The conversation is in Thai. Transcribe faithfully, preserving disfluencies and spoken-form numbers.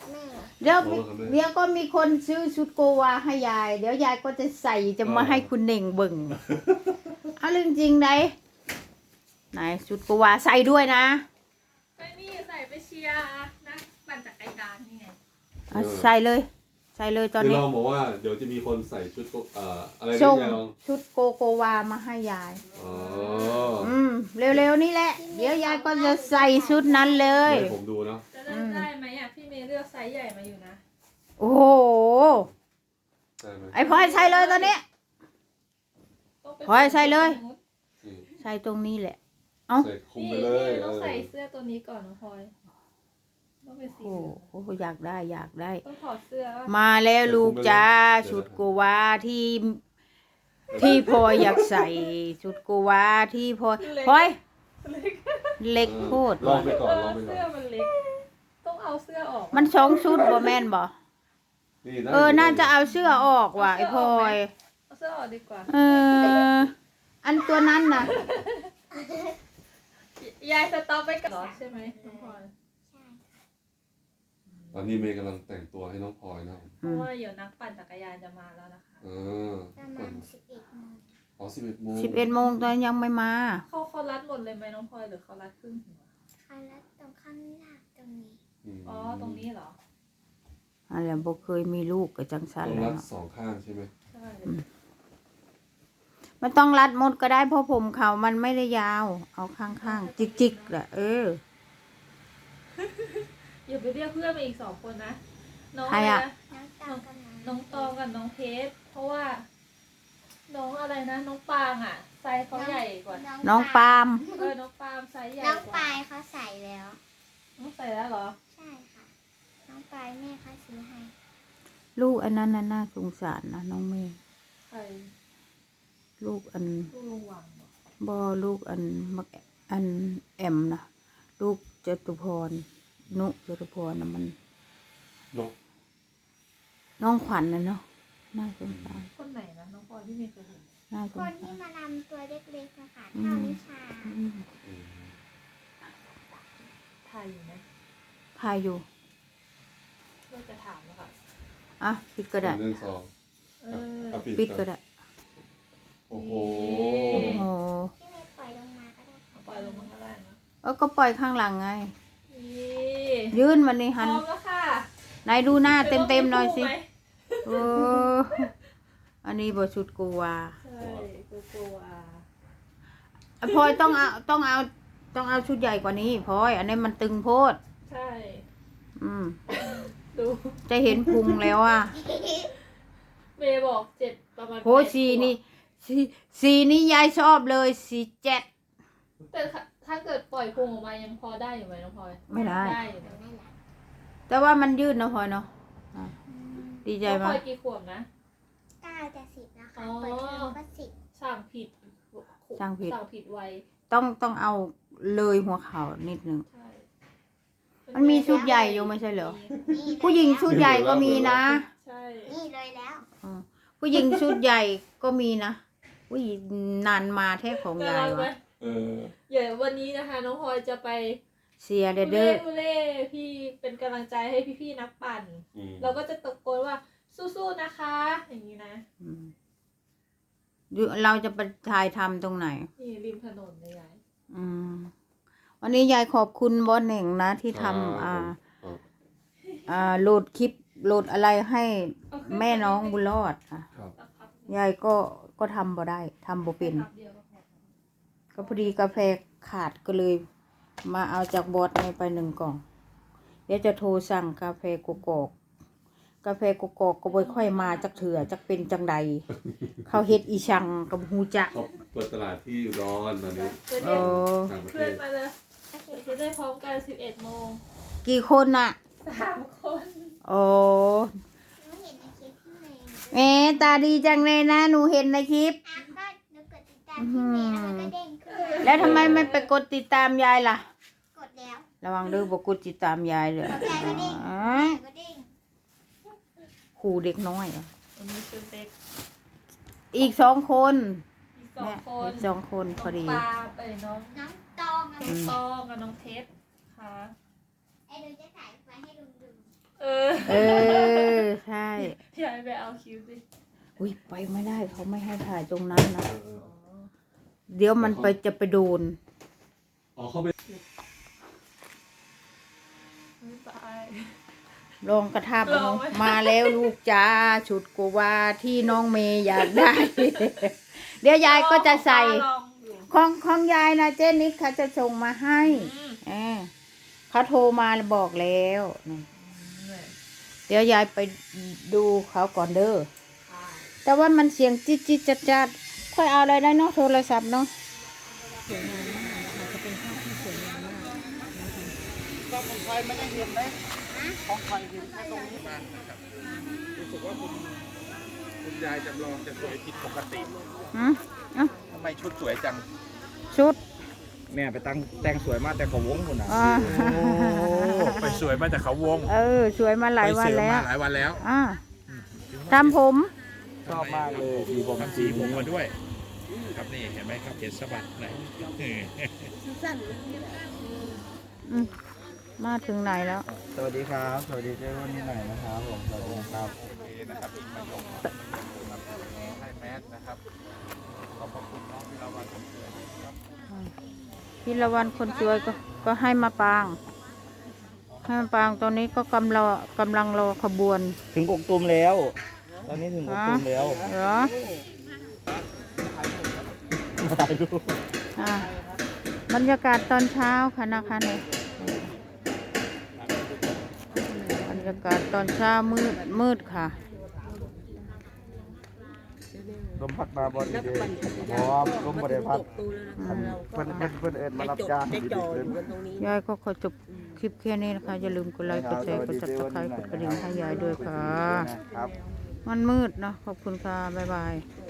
เดี๋ยวเดี๋ยวก็มีคนซื้อชุดโกวาให้ยายเดี๋ยวยายก็จะใส่จะมาให้คุณเน่งเบิ่งเอาเรื่องจริงไหนไหนชุดโกวาใส่ด้วยนะไปนี่ใส่ไปเชียร์นะปั่นจักรยานนี่ไงใส่เลยใส่เลยตอนนี้เราบอกว่าเดี๋ยวจะมีคนใส่ชุดเอ่ออะไรส่งนี่ยชุดโกโกวามาให้ยายอ๋ออืมเร็วๆนี่แหละเดี๋ยวยายก็จะใส่ชุดนั้นเลยให้ผมดูเนาะจะเลือกได้ไหมอ่ะพี่เมย์เลือกไซส์ใหญ่มาอยู่นะโอ้โหไอพลอยใส่เลยตอนนี้พลอยใส่เลยใส่ตรงนี้แหละเอ้าใส่คุมไปเลยต้องใส่เสื้อตัวนี้ก่อนน้องพลอยต้องเป็นสีโอ้โหอยากได้อยากได้ต้องถอดเสื้อมาแล้วลูกจ้าชุดโกวาที่ที่พลอยอยากใส่ชุดโกวาที่พลอยพลอยเล็กโคตรลองไปก่อนลองไปก่อนเสื้อมันเล็กต้องเอาเสื้อออกมันสองชุดบ่แม่นบ่เออน่าจะเอาเสื้อออกว่ะไอ้พลอยเอาเสื้อออกดีกว่าเอออันตัวนั้นน่ะยายสต็อปไปก่อนใช่ไหมน้องพลอยตอนนี้เมย์กำลังแต่งตัวให้น้องพลอยนะเพราะว่าเดี๋ยวนักปั่นจักรยานจะมาแล้วนะคะเออประมาณสิบเอ็ดโมงอ๋อสิบเอ็ดโมงสิบเอ็ดโมงตอนยังไม่มาเขาเขารัดหมดเลยไหมน้องพลอยหรือเขารัดครึ่งหัวเขารัดตรงข้างหน้าตรงนี้อ๋อตรงนี้เหรออะไรบ่เคยมีลูกกับจังสันต้องรัดสองข้างใช่ไหมใช่มันต้องรัดหมดก็ได้เพราะผมเขามันไม่ได้ยาวเอาข้างๆจิกๆแหละเอออย่าไปเรียกเพื่อนมาอีกสองคนนะน้องอะไรนะน้องตองกับน้องเพชรเพราะว่าน้องอะไรนะน้องปางอ่ะไซส์เขาใหญ่กว่าน้องปามเออน้องปามไซส์ใหญ่กว่าน้องปายเขาใส่แล้วน้องใส่แล้วเหรอใช่ค่ะน้องปายแม่เขาซื้อให้ลูกอันนั้นน่าสงสารนะน้องเมย์ใครลูกอันลูกลุงหวังบ่ลูกอันมักอันแอมนะลูกจตุพรนุจตุพรนะมันน้องขวัญนะเนาะน่าสงสารคนไหนนะน้องพลอยที่มีเคยเห็นน่าสงสารคนที่มาลำตัวเล็กๆนะคะเท่านิชาถ่ายอยู่ไหมถ่ายอยู่เราจะถามแล้วค่ะอ่ะปิดก็ได้ปิดก็ได้โอ้โหโอ้พี่เมย์ปล่อยลงมาก็ได้ปล่อยลงมาก็ได้นะเออก็ปล่อยข้างหลังไงยื่นมันนี่หันไหนดูหน้าเต็มเต็มหน่อยสิเอออันนี้บทชุดกูวาใช่กูวาพลอยต้องเอาต้องเอาต้องเอาชุดใหญ่กว่านี้พลอยอันนี้มันตึงโพดใช่อืมดูจะเห็นพุงแล้วอ่ะเมย์บอกเจ็ดประมาณโหสีนี่สีสีนี้ยายชอบเลยสีเจ็ดแต่ถ้าเกิดปล่อยพุงออกมายังพอได้อยู่ไหมน้องพลอยไม่ได้ได้อยู่นะแต่ว่ามันยืดนะพลอยเนาะดีใจมากพลอยกี่ขวบนะเก้าจะสิบนะคะเปิดเทอมก็สิบสั่งผิดสั่งผิดสั่งผิดไวต้องต้องเอาเลยหัวเข่านิดนึงมันมีชุดใหญ่อยู่ไม่ใช่เหรอผู้หญิงชุดใหญ่ก็มีนะใช่นี่เลยแล้วผู้หญิงชุดใหญ่ก็มีนะอุ้ยนานมาแท้ของยายวะเออเดี๋ยววันนี้นะคะน้องพลอยจะไปเสียเด้อเด้อเล่พี่เป็นกำลังใจให้พี่ๆนักปั่นเราก็จะตะโกนว่าสู้ๆนะคะอย่างนี้นะเราจะไปถ่ายทำตรงไหนนี่ริมถนนเลยยายอืมวันนี้ยายขอบคุณบอสเหน่งนะที่ทำอ่าอ่าโหลดคลิปโหลดอะไรให้แม่น้องบุญรอดค่ะยายก็ก็ทำบ่ได้ทำบ่เป็นก็พอดีกาแฟขาดก็เลยมาเอาจากบอสในไปหนึ่งกล่องเดี๋ยวจะโทรสั่งกาแฟกกอกกาแฟกกอกก็บ่ค่อยมาจักเถื่อจักเป็นจังใดเขาเฮ็ดอีชังกับฮูจักเปิดตลาดที่ร้อนตอนนี้เออเพื่อนมาเลยจะได้พร้อมกันสิบเอ็ดโมงกี่คนน่ะสามคนโอ้แม่ตาดีจังเลยนะหนูเห็นในคลิปแล้วทำไมไม่ไปกดติดตามยายล่ะกดแล้วระวังเด้อบ่กดติดตามยายเลยครูเด็กน้อยอ่ะอีกสองคนอีกสองคนพอดีปลาไปน้องน้องตองน้องตองกับน้องเพชรค่ะไอ้ดูจะถ่ายไว้ให้ลุงดูเออเออใช่ยายไปเอาคิวดิอุ้ยไปไม่ได้เขาไม่ให้ถ่ายตรงนั้นนะเออเออเดี๋ยวมันไปจะไปโดนอ๋อเขาไปไม่ไปลองกระทับลองไหมมาแล้วลูกจ้าชุดโกวาที่น้องเมย์อยากได้ เดี๋ยวยายก็จะใส่ลองอยู่ของของยายนะเจนิดเขาจะส่งมาให้อืมเออเขาโทรมาบอกแล้วนี่เดี๋ยวยายไปดูเขาก่อนเด้อแต่ว่ามันเสียงจิ๊ดจิ๊ดจัดจัดค่อยเอาอะไรได้เนาะโทรศัพท์เนาะก็ของใครไม่ได้เห็นไหมของใครเห็นแค่ตรงนี้บ้างนะครับรู้สึกว่าคุณคุณยายจำลองจะสวยผิดปกติอืมเอ้าทำไมชุดสวยจังชุดแม่ไปตั้งแต่งสวยมากแต่เขาวงคุณนะอ่าไปสวยมาแต่เขาวงเออ สวยมาหลายวันไปเสริมแล้วมาหลายวันแล้วอ่าทำผมชอบมากเลยมีผมทำสีผมมาด้วย ครับนี่เห็นไหมครับเห็นสะบัดไหนเอออืมมาถึงไหนแล้วสวัสดีครับ สวัสดีเจ้าวันนี้หน่อยนะครับผมสวัสดีครับโอเคนะครับอีกประโยคนะครับให้แมสนะครับขอบพระคุณน้องที่เรามาสมเด็จครับพิรวันคนสวยก็ก็ให้มาปาง ให้มาปางตอนนี้ก็กำลังกำลังรอขบวนถึงกกตูมแล้ว ตอนนี้ถึงกกตูมแล้วเหรอถ่ายรูปอ่าบรรยากาศตอนเช้าค่ะนะคะเนี่ยบรรยากาศตอนเช้ามืดมืดค่ะลมพัดมาบอดีเดย์พร้อมลมบริพัดอันเพื่อนเพื่อนเพื่อนเอิญมารับจ้างดีดีเลยยายก็ขอจบคลิปแค่นี้นะคะ อย่าลืมกดไลค์กดแชร์กดติดตามกดกระดิ่งให้ยายด้วยค่ะครับมันมืดเนาะขอบคุณค่ะ บ๊ายบาย